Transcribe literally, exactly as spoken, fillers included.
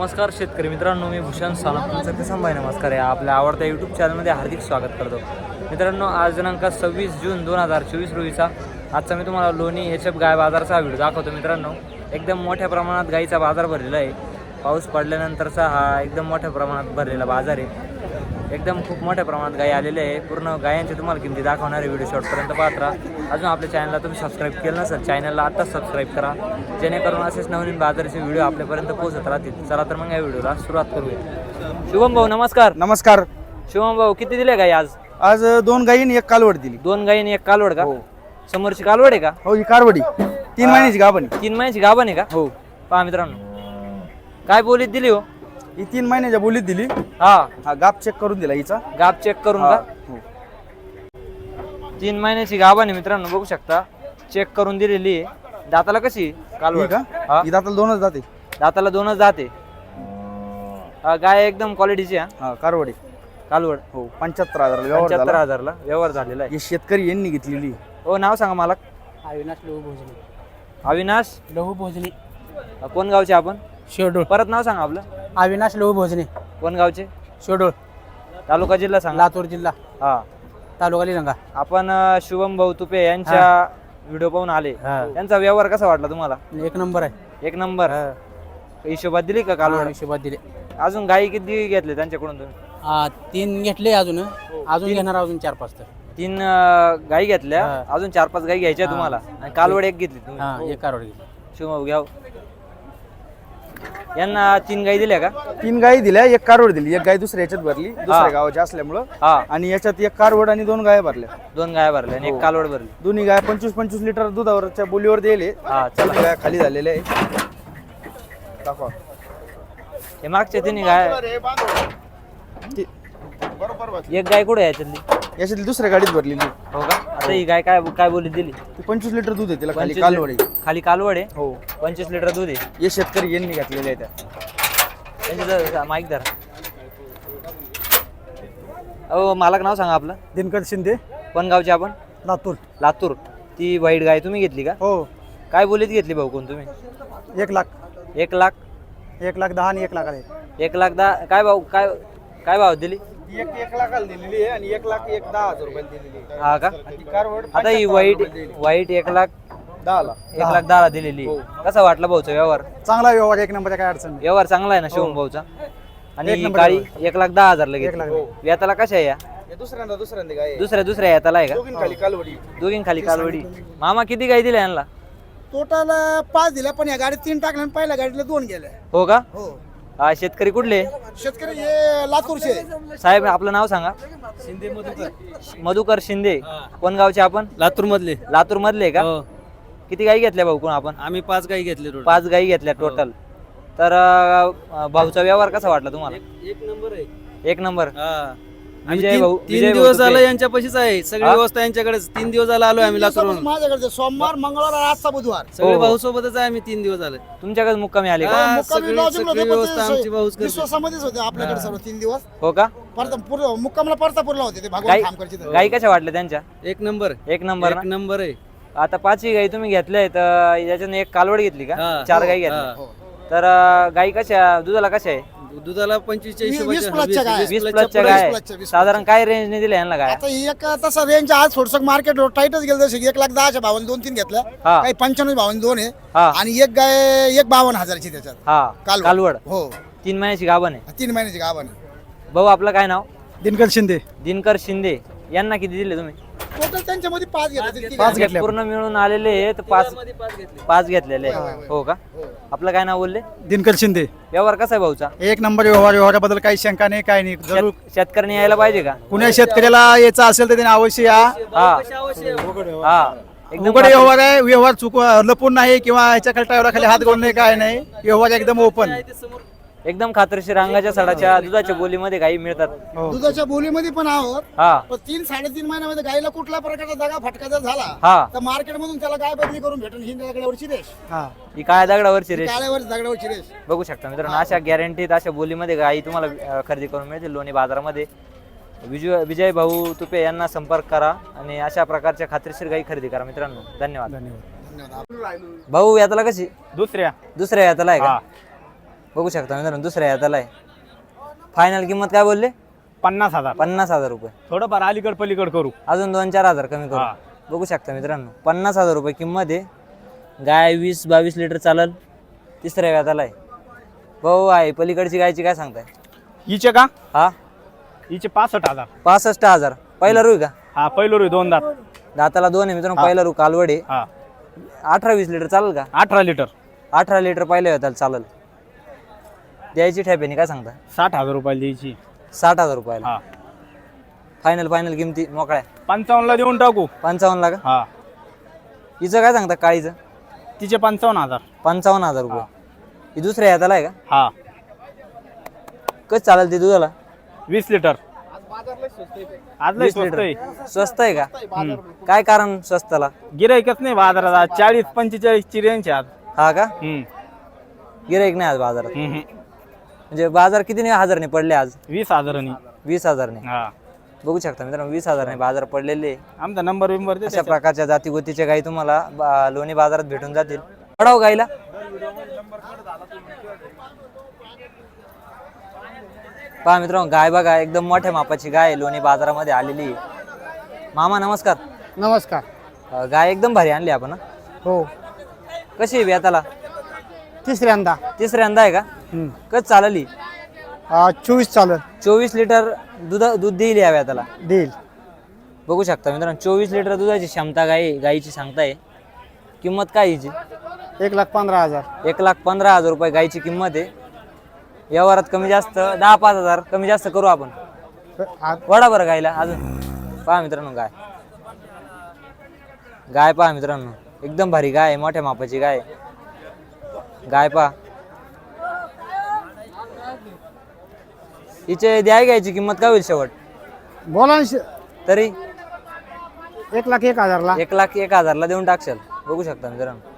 नमस्कार शेतकरी मित्रांनो, मी भूषण सानप तुमचं ते संभाय नमस्कार आहे. आपल्या आवडत्या यूट्यूब चॅनलमध्ये हार्दिक स्वागत करतो. मित्रांनो, आज दिनांक सव्वीस जून दोन हजार चोवीस रोजीचा आजचा मी तुम्हाला लोणी एच एफ गाय बाजारचा व्हिडिओ दाखवतो. मित्रांनो, एकदम मोठ्या प्रमाणात गाईचा बाजार भरलेला आहे. पाऊस पडल्यानंतरचा हा एकदम मोठ्या प्रमाणात भरलेला बाजार आहे. एकदम खूप मोठ्या प्रमाणात गाई आलेले आहे. पूर्ण गायांची तुम्हाला किमती दाखवणारे व्हिडिओ शॉर्टपर्यंत पाहत राहा. अजून आपल्या चॅनलला तुम्ही सबस्क्राईब केलं नसेल, चॅनलला आत्ताच सबस्क्राईब करा, जेणेकरून असेच नवीन बाजाराचे व्हिडिओ आपल्यापर्यंत पोहोचत राहतील. चला तर मग या व्हिडिओला सुरुवात करूया. शुभम भाऊ नमस्कार. नमस्कार. शुभम भाऊ, किती दिले गाई आज? आज दोन गाई आणि एक कालवड दिली. दोन गाई आणि एक कालवड का? समोरची कालवड आहे का? हो, ही कारवडी तीन महिन्याची गाभण आहे. तीन महिन्याची गाभण आहे का? हो. पहा मित्रांनो, काय बोलीत दिली हो? ही तीन महिन्याच्या बोलीत दिली. हा हा गाप चेक करून दिला हिचा. गाप चेक करून हा. का? हो. तीन महिन्याची गाभण आहे मित्रांनो, बघू शकता. चेक करून दिलेली आहे. दाताला कशी ही कालवड का? हा? ही दाताला दोनच जाते. दाताला दोनच जाते. गाय एकदम क्वालिटीची आहे. हा कारवडी. कालवड हो, पंच्याहत्तर हजार व्यवहार पंच्याहत्तर झाला. हजारला व्यवहार झालेला आहे. हे शेतकरी यांनी घेतलेली. हो, नाव सांगा मला. अविनाश लहू भोजने. अविनाश लहू भोजने कोण गावचे आपण? शेडोळ. परत नाव सांगा आपलं. अविनाश लहू भोजने कोण गावचे? शेडोळ, तालुका जिल्हा सांगा. लातूर जिल्हा, हा. तालुका निलंगा. आपण अं, शुभम भाऊ तुपे यांच्या व्हिडिओ पाहून आले. त्यांचा व्यवहार कसा वाटला तुम्हाला? एक नंबर आहे. एक नंबर. हिशोबात दिली का कालवड? हिशोबात दिले. अजून गाई किती घेतले त्यांच्याकडून तुम्ही? आ, तीन घेतले. अजून अजून घेणार अजून चार पाच तर. तीन अं, गाई घेतल्या. हा. अजून चार पाच गाई घ्यायच्या हा. तुम्हाला. आणि कालवड एक घेतली तुम्ही. हा, एक कारवड घेतली. शुभम भाऊ घ्या. यांना तीन गाई दिल्या का? तीन गाई दिल्या, एक कारवड दिली. एक गाय दुसऱ्या याच्यात भरली, दुसऱ्या गावाची असल्यामुळं. हा. आणि याच्यात एक कारवड आणि दोन गाय भरल्या. दोन गाय भरल्या आणि एक कालवड भरली. दोन्ही गाय पंचवीस पंचवीस लिटर दुधावरच्या बोलीवर दिले. हा, चला. गाय खाली झालेल्या आहे. दाखवा. हे मागच्या तिन्ही गाय. एक गाय कुठे आहे याच्यातली? याच्यातली दुसऱ्या गाडीत भरलेली. हो का? आता ही गाय काय काय बोली दिली? ती पंचवीस लिटर दूध आहे, तिला खाली पंचवीस कालवड आहे. लिटर- खाली कालवड आहे. हो. पंचवीस लिटर दूध आहे. हे शेतकरी यांनी घेतलेले आहे त्या. त्यांची जर- माईक धरा. अहो, मालक नाव सांगा आपलं. दिनकर शिंदे, कोण गावचे आपण? लातूर. लातूर. ती वाईट गाय तुम्ही घेतली का? हो. काय बोलीत घेतली भाऊ कोण तुम्ही? एक लाख एक लाख एक लाख दहा आणि एक लाख आहे. एक लाख दहा. काय भाऊ काय काय भाव दिली? एक एक लाखाला दिलेली आहे आणि एक लाख एक दहा हजार रुपयाला दिलेली आहे. हा का? आणि ती कारवड आता ही वाईट वाईट एक लाख दहा ला. एक लाख दहाला दिलेली. कसा वाटला भाऊचा व्यवहार? चांगला व्यवहार, एक नंबरचा काय अडचण नाही. व्यवहार चांगला आहे ना शिवम भाऊचा? आणि एक ही नंबर काळी एक लाख दहा हजारला एक लाख. घेतली. व्याताला कशा आहे या? हे दुसऱ्यांदा दुसऱ्यांदा गाय आहे. दुसऱ्या दुसऱ्या याताला आहे का? दोघीं खाली कालवडी. दोघीं खाली कालवडी. मामा किती गाई दिल्या यांना? टोटल पाच दिल्या, पण या गाडीत तीन टाकल्या आणि पहिल्या गाडीला दोन गेल्या. हो का? हो. हा, शेतकरी कुठले? शेतकरी हे लातूरचे. साहेब आपलं नाव सांगा. मधुकर शिंदे. कोण गावचे आपण? लातूर मधले. लातूर मधले का? किती गाई घेतल्या भाऊ कोण आपण? आम्ही पाच गाई घेतले टोटल. पाच गाई घेतल्या टोटल. तर अं, भाऊचा व्यवहार कसा वाटला तुम्हाला? एक नंबर आहे. एक नंबर. हा. विजय आम्ही भाऊ- तीन विजय तीन भाऊ दिवस तुपे. झालं यांच्यापाशीच आहे. सगळी हा? व्यवस्था यांच्याकडेच. तीन दिवस झाला आलोय आम्ही लातूरवरून. माझ्याकडे सोमवार, मंगळवार आणि आजचा बुधवार. सगळे हो. भाऊ सोबतच आहे आम्ही. तीन दिवस झाले. तुमच्याकडे मुक्कामी आले का? हा, मुक्कामी सगळी- लॉजिंगला सगळी होते, पण व्यवस्था ते आमची भाऊच करते. विश्वासामध्येच होते आपल्याकडे सर्व तीन दिवस. हो का? परत पूर्ण मुक्कामला परतापूरला होते ते गाई भगवान खामकरचे. गाई कशा वाटल्या त्यांच्या? एक नंबर. एक नंबर एक ना? नंबर आहे. आता पाचही गाई तुम्ही घेतल्या तर याच्यानं एक कालवड घेतली का? हा. चार गाई हा. घेतल्या. तर अं, गाई कशा दुधाला कशा आहे? दुधाला पंचवीसच्या वीस- हिशोबाच्या- वीस प्लसच्या गाय. वीस- वीस वीस प्लसच्या पुढे. गाय प्लसच्या, वीस साधारण काय रेंजने दिल्या यांना गाय? आता ही एक तसा रेंज आज थोडस मार्केट टाईटच गेलं, जसं एक लाख दहाच्या भावाने दोन तीन घेतल्या, हा. काही पंच्याण्णव भावाने दोन आहे हा. आणि एक गाय एक बावन्न हजाराची त्याच्यात. हा, कालवड. कालवड. हो. तीन महिन्याची गाभण आहे. तीन महिन्याची गावाने. भाऊ आपलं काय नाव? दिनकर शिंदे. दिनकर शिंदे. यांना किती दिले तुम्ही? टोटल त्यांच्यामध्ये पाच घेतले. पाच म्हणजे घेतल्या. पूर्ण मिळून आलेले आहेत पाच पाच घेतलेले आहे. हो का? आपलं काय नाव बोलले? दिनकर शिंदे. व्यवहार कसा आहे भाऊचा? एक नंबर व्यवहार. व्यवहाराबद्दल काही शंका नाही, काही नाही. जरूर शेत- शेतकऱ्यांनी यायला पाहिजे का? कुण्या शेतकऱ्याला यायचं असेल तर त्याने अवश्य या. हा हा एकदम उघड व्यवहार आहे. व्यवहार चुक लपून नाही किंवा ह्याच्या खाली खाली हात घालून नाही, काय नाही. व्यवहार एकदम ओपन. एकदम खात्रीशीर रंगाच्या सडाच्या दुधाच्या बोलीमध्ये गाई मिळतात. दुधाच्या बोलीमध्ये पण आहोत. हा पण तीन साडेतीन महिन्यामध्ये गायला कुठल्या प्रकारचा दगा फटका जर झाला हा. तर मार्केटमधून त्याला गाय बदली करून भेटेल. ही दगडावरची रेष, हा. ही काळ्या दगडावरची रेष काळ्यावर दगडावरची रेष. बघू शकता मित्रांनो. अशा गॅरंटीत अशा बोलीमध्ये गाई तुम्हाला अं, खरेदी करून मिळतील लोणी बाजारामध्ये. विजय विजय भाऊ तुपे यांना संपर्क करा आणि अशा प्रकारच्या खात्रीशीर गाई खरेदी करा मित्रांनो. धन्यवाद. धन्यवाद. धन्यवाद. भाऊ यातला कशी? दुसऱ्या. दुसऱ्या यातला आहे का? बघू शकता मित्रांनो दुसऱ्या याताला आहे. फायनल किंमत काय बोलले? पन्नास हजार पन्नास हजार रुपये. थोडंफार अलीकड पलीकड करू. अजून दोन चार हजार कमी हा. करू. बघू शकता मित्रांनो पन्नास हजार रुपये किंमत आहे. गाय वीस बावीस लिटर चालल. तिसऱ्या व्याताला आहे. भाऊ आहे पलीकडची गायची काय सांगताय? हिचे का? हा हिचे पासष्ट हजार. पासष्ट हजार. पहिला रुई का? हा पहिलो रे दोन दात. दाताला दोन आहे मित्रांनो. पहिला रू कालवड आहे. हा अठरा वीस लिटर चालेल का? अठरा लिटर. अठरा लिटर पहिल्या व्याताला चालेल. द्यायची ठेप्याने काय सांगता? साठ हजार रुपयाला द्यायची. साठ हजार रुपयाला. हा फायनल फायनल किमती मोकळ्या पंचावन्नला देऊन टाकू. पंचावन्न का? हा हिचं काय सांगता काळीचं? तिचे पंचावन्न हजार. पंचावन्न हजार रुपये. ही दुसऱ्या याताला आहे का? हा कसं चालेल ती दुधाला? वीस लिटर. आज लय वीस स्वस्त लिटर आहे. स्वस्त आहे का? काय कारण स्वस्ताला? गिराईकच नाही बाजारात आज. चाळीस पंचेचाळीस ची रेंज आहे आज. हा का? हम्म. गिराईक नाही आज बाजारात. हम्म. म्हणजे बाजार किती हजारने पडले आज? वीस हजारांनी. वीस हजारने. हा बघू शकता मित्रांनो वीस हजारने बाजार पडलेले. आमचा नंबर बिंबर दे अशा त्याच्यात. प्रकारच्या जातीगोतीच्या गायी तुम्हाला बा- लोणी बाजारात भेटून जातील. पडाव गायला पहा मित्रांनो गाय बघा एकदम मोठ्या मापाची गाय लोणी बाजारामध्ये आलेली आहे. मामा नमस्कार. नमस्कार. अं, गाय एकदम भारी आणली आपण. हं? हो कशी आहे व्याताला? तिसऱ्यांदा तिसऱ्यांदा आहे का? कच चालली? चोवीस चालू चोवीस लिटर दूध दूध देईल या व्याताला. देईल. बघू शकता मित्रांनो चोवीस लिटर दुधाची क्षमता गाय गायीची सांगताय. किंमत काय हिची? एक लाख पंधरा हजार. एक लाख पंधरा हजार रुपये गायची किंमत आहे. व्यवहारात कमी जास्त दहा पाच हजार कमी जास्त करू आपण. वडा बरं गायला अजून. पहा मित्रांनो गाय गाय पहा मित्रांनो एकदम भारी गाय आहे. मोठ्या मापाची गाय आहे. गाय पहा. हिचे द्याय घ्यायची किंमत काय होईल शेवट? बोला ना श- तरी एक लाख एक हजारला. एक लाख एक हजारला देऊन टाकशाल. बघू शकता मित्रांनो